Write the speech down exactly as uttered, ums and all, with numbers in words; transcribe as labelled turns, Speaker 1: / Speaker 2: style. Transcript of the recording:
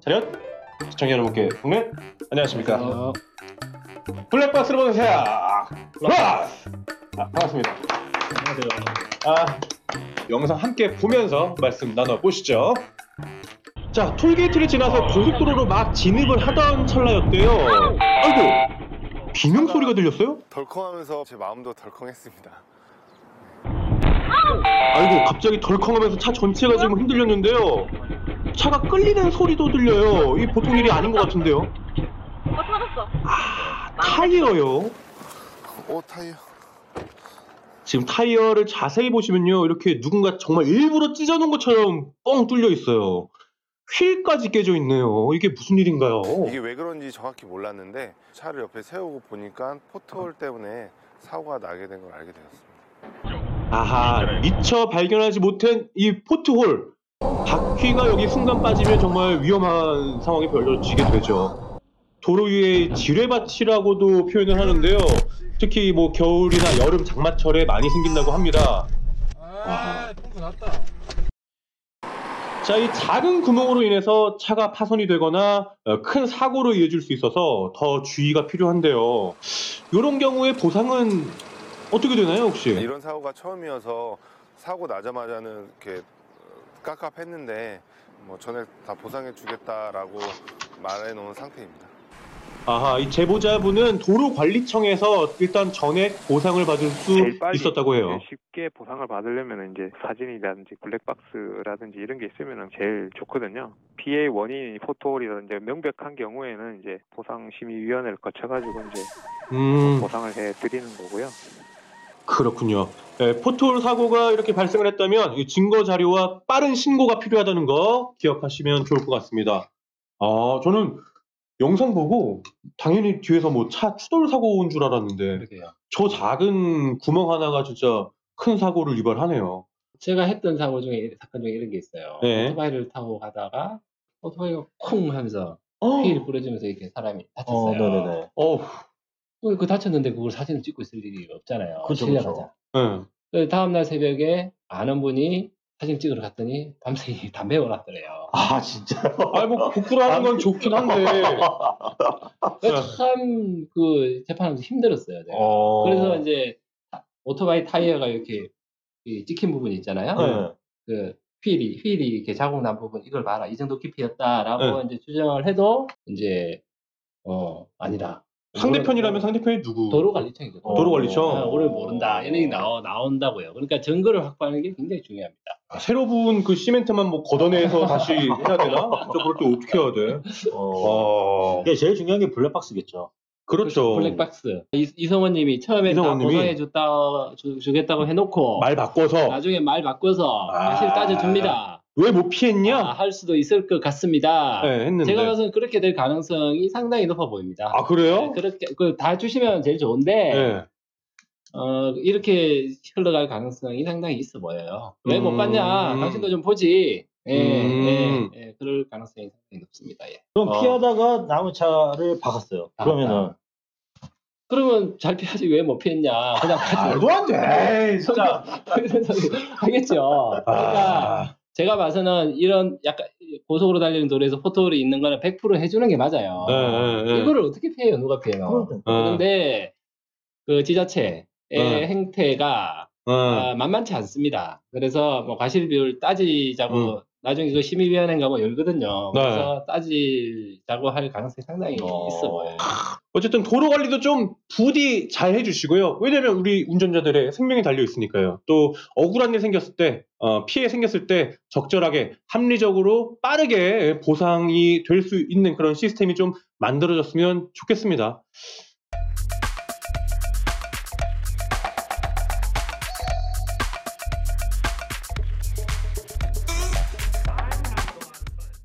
Speaker 1: 차렷! 시청자 여러분께 국내 안녕하십니까.
Speaker 2: 어,
Speaker 1: 블랙박스를 보는 세야 플러스! 아, 반갑습니다.
Speaker 2: 안녕하세요.
Speaker 1: 아, 영상 함께 보면서 말씀 나눠보시죠. 자, 톨게이트를 지나서 고속도로로 막 진입을 하던 찰나였대요. 아이고, 비명 소리가 들렸어요?
Speaker 3: 덜컹하면서 제 마음도 덜컹했습니다.
Speaker 1: 아이고, 갑자기 덜컹하면서 차 전체가 지금 흔들렸는데요. 차가 끌리는 소리도 들려요. 이게 보통 일이 아닌 것 같은데요.
Speaker 4: 어, 터졌어.
Speaker 1: 아, 타이어요.
Speaker 3: 오, 타이어.
Speaker 1: 지금 타이어를 자세히 보시면요, 이렇게 누군가 정말 일부러 찢어놓은 것처럼 뻥 뚫려 있어요. 휠까지 깨져 있네요. 이게 무슨 일인가요?
Speaker 3: 이게 왜 그런지 정확히 몰랐는데 차를 옆에 세우고 보니까 포트홀 때문에 사고가 나게 된 걸 알게 되었습니다.
Speaker 1: 아하, 미처 발견하지 못한 이 포트홀. 바퀴가 여기 순간 빠지면 정말 위험한 상황이 벌어지게 되죠. 도로 위에 지뢰밭이라고도 표현을 하는데요. 특히 뭐 겨울이나 여름 장마철에 많이 생긴다고 합니다.
Speaker 2: 아, 펑크 났다.
Speaker 1: 자, 이 작은 구멍으로 인해서 차가 파손이 되거나 어, 큰 사고로 이어질 수 있어서 더 주의가 필요한데요. 이런 경우에 보상은 어떻게 되나요, 혹시?
Speaker 3: 이런 사고가 처음이어서 사고 나자마자는 이렇게 깝깝했는데 뭐 전에 다 보상해 주겠다라고 말해 놓은 상태입니다.
Speaker 1: 아하, 이 제보자분은 도로관리청에서 일단 전액 보상을 받을 수
Speaker 5: 제일 빨리
Speaker 1: 있었다고 해요.
Speaker 5: 쉽게 보상을 받으려면 이제 사진이라든지 블랙박스라든지 이런 게 있으면 제일 좋거든요. 피해 원인이 포토홀이라든지 명백한 경우에는 이제 보상심의위원회를 거쳐가지고 이제
Speaker 1: 음,
Speaker 5: 보상을 해드리는 거고요.
Speaker 1: 그렇군요. 네, 포트홀 사고가 이렇게 발생을 했다면 이 증거 자료와 빠른 신고가 필요하다는 거 기억하시면 좋을 것 같습니다. 아, 저는 영상 보고 당연히 뒤에서 뭐 차 추돌 사고 온 줄 알았는데
Speaker 2: 그러게요.
Speaker 1: 저 작은 구멍 하나가 진짜 큰 사고를 유발하네요.
Speaker 2: 제가 했던 사고 중에, 사건 중에 이런 게 있어요.
Speaker 1: 네.
Speaker 2: 오토바이를 타고 가다가 오토바이가 콩 하면서
Speaker 1: 어,
Speaker 2: 휠이 부러지면서 이렇게 사람이 다쳤어요.
Speaker 6: 네네네.
Speaker 1: 어,
Speaker 2: 그, 그 다쳤는데 그걸 사진을 찍고 있을 일이 없잖아요.
Speaker 6: 그쵸,
Speaker 2: 실례가자.
Speaker 1: 네.
Speaker 2: 그 다음날 새벽에 아는 분이 사진 찍으러 갔더니 밤새 담배 올랐더래요.
Speaker 6: 아, 진짜요?
Speaker 1: 아니 뭐 부끄러워하는 건 좋긴 한데
Speaker 2: 참 그 재판하면서 힘들었어요. 제가.
Speaker 6: 어...
Speaker 2: 그래서 이제 오토바이 타이어가 이렇게 이 찍힌 부분이 있잖아요.
Speaker 6: 네.
Speaker 2: 그 휠이 휠이 이렇게 자국 난 부분 이걸 봐라 이 정도 깊이였다라고
Speaker 1: 네.
Speaker 2: 이제 추정을 해도 이제 어 아니다.
Speaker 1: 상대편이라면 상대편이 누구?
Speaker 2: 도로관리청이죠.
Speaker 6: 어.
Speaker 1: 도로관리청?
Speaker 2: 아, 오늘 모른다 이런 얘기 나오, 나온다고요. 그러니까 증거를 확보하는 게 굉장히 중요합니다.
Speaker 1: 아, 새로 부은 그 시멘트만 뭐 걷어내서 다시 해야 되나? 저 그럴 때 어떻게 해야 돼?
Speaker 6: 어...
Speaker 1: 어,
Speaker 6: 이게 제일 중요한 게 블랙박스겠죠.
Speaker 1: 그렇죠.
Speaker 2: 블랙박스. 이, 이성원님이 처음에 다
Speaker 1: 이성원님이
Speaker 2: 보상해 줬다 주, 주겠다고 해놓고
Speaker 1: 말 바꿔서
Speaker 2: 나중에 말 바꿔서
Speaker 1: 아.
Speaker 2: 사실 따져줍니다.
Speaker 1: 왜 못 피했냐?
Speaker 2: 아, 할 수도 있을 것 같습니다.
Speaker 1: 네, 했는데.
Speaker 2: 제가 봐서는 그렇게 될 가능성이 상당히 높아 보입니다.
Speaker 1: 아, 그래요?
Speaker 2: 네, 그렇게 그 다 주시면 제일 좋은데
Speaker 1: 네.
Speaker 2: 어, 이렇게 흘러갈 가능성이 상당히 있어 보여요. 왜 못
Speaker 1: 음.
Speaker 2: 봤냐? 당신도 좀 보지. 예,
Speaker 1: 음.
Speaker 2: 예, 예, 그럴 가능성이 상당히 높습니다. 예.
Speaker 6: 그럼
Speaker 1: 어.
Speaker 6: 피하다가 남의 차를 박았어요.
Speaker 2: 아,
Speaker 6: 그러면은
Speaker 2: 그러면 잘 피하지 왜 못 피했냐? 그냥 가지.
Speaker 1: 말도 안 돼. 에이, 진짜.
Speaker 2: 하겠죠. 그러니까
Speaker 1: 아,
Speaker 2: 제가 봐서는 이런 약간 고속으로 달리는 도로에서 포토홀이 있는 거는 백 퍼센트 해주는 게 맞아요.
Speaker 1: 네, 네, 네.
Speaker 2: 이거를 어떻게 피해요? 누가 피해요?
Speaker 6: 그러니까.
Speaker 1: 어,
Speaker 2: 그런데 그 지자체의
Speaker 1: 네.
Speaker 2: 행태가
Speaker 1: 어,
Speaker 2: 아, 만만치 않습니다. 그래서 뭐 과실비율 따지자고
Speaker 1: 음.
Speaker 2: 나중에 그 심의위원회인가 뭐 열거든요.
Speaker 1: 네.
Speaker 2: 그래서 따지자고 할 가능성이 상당히
Speaker 6: 어.
Speaker 2: 있어 보여요.
Speaker 1: 어쨌든 도로 관리도 좀 부디 잘 해주시고요. 왜냐면 우리 운전자들의 생명이 달려 있으니까요. 또 억울한 일 생겼을 때, 어, 피해 생겼을 때 적절하게 합리적으로 빠르게 보상이 될 수 있는 그런 시스템이 좀 만들어졌으면 좋겠습니다.